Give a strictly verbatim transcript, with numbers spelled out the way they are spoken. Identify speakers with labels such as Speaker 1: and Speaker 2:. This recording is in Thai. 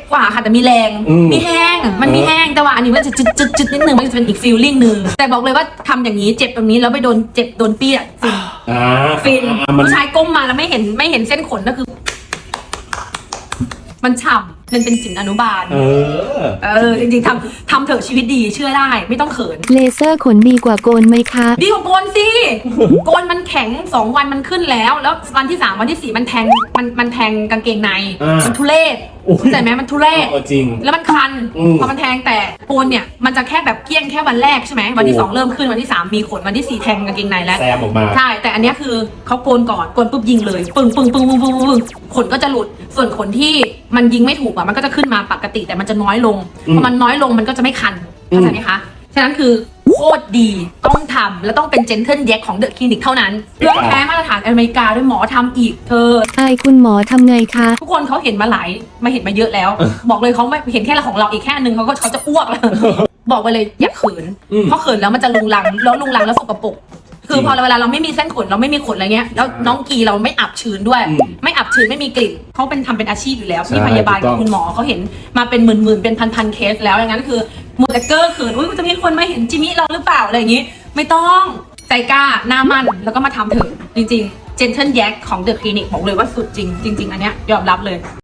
Speaker 1: กว่าค่ะแต่มีแรงมีแห้งมันมีแห้งแต่ว่าอันนี้มันจะจุดจุดจุดนิดนึงมันจะเป็นอีกฟีลลิ่งนึงแต่บอกเลยว่าทำอย่างนี้เจ็บตรงนี้แล้วไปโดนเจ็บโดนเปี้ยฟินฟินผู้ชายก้มมาแล้วไม่เห็นไม่เห็นเส้นขนก็คือมันฉ่ำมันเป็นจิ๋มอนุบาลเออเออจริงๆทำทำเถอะชีวิตดีเชื่อได้ไม่ต้องเขิน
Speaker 2: เลเซอร์ขนดีกว่าโกนไหมคะ
Speaker 1: ดีกว่าโกนสิโกนมันแข็งสองวันมันขึ้นแล้วแล้ววันที่สามวันที่สี่มันแทงมันมันแทงกางเกงในมันทุเรศเข้าใจไหมมันทุเรศ
Speaker 3: จริง
Speaker 1: แล้วมันคันพอมันแทงแต่โกนเนี่ยมันจะแค่แบบเกี้ยงแค่วันแรกใช่ไหมวันที่สองเริ่มขึ้นวันที่สามมีขนวันที่สี่แทงกางเกงในแล้ว
Speaker 3: แซมออกมา
Speaker 1: ใช่แต่อันนี้คือเขาโกนก่อนโกนปุ๊บยิงเลยปึ้งปึ้งปึ้งปึ้งปึ้งปึ้งขนก็จะหลุดส่วนขนที่มันยิงไม่ถูกอ่ะมันก็จะขึ้นมาปกติแต่มันจะน้อยลงพอมันน้อยลงมันก็จะไม่คันเข้าใจไหมคะฉะนั้นคือโคตรดีต้องทำและต้องเป็นเจนเทิลแยกของเดอะคลินิกเท่านั้นเรื่องแพ้มาตรฐานอเมริกาด้วยหมอทำอีกเธอ
Speaker 2: ไอคุณหมอทำไงคะ
Speaker 1: ทุกคนเขาเห็นมาหลายมาเห็นมาเยอะแล้ว บอกเลยเขาไม่เห็นแค่ของเราอีกแค่นึงเขาก็เขาจะอ้วกแล้ว บอกไปเลยอย่าเขินเพราะเขินแล้วมันจะลุงลังแล้วลุงลังแล้วสกปรกคือพอเวลาเราไม่มีเส้นขนเราไม่มีขนอะไรเงี้ยแล้วน้องกีเราไม่อับชื้นด้วยไม่อับชื้นไม่มีกลิ่นเขาเป็นทำเป็นอาชีพอยู่แล้วพี่พยาบาลกับคุณหมอเขาเห็นมาเป็นหมื่นๆเป็นพันๆเคสแล้วอย่างนั้นคือมูแต่เกอร์เขินอุ้ยมันจะมีคนมาเห็นจิมิเราหรือเปล่าอะไรอย่างงี้ไม่ต้องใจกล้าหน้ามั่นแล้วก็มาทำเถอะจริงๆเจนเทิลแยกของเดอะคลินิกบอกเลยว่าสุดจริงจริงๆอันเนี้ยยอมรับเลย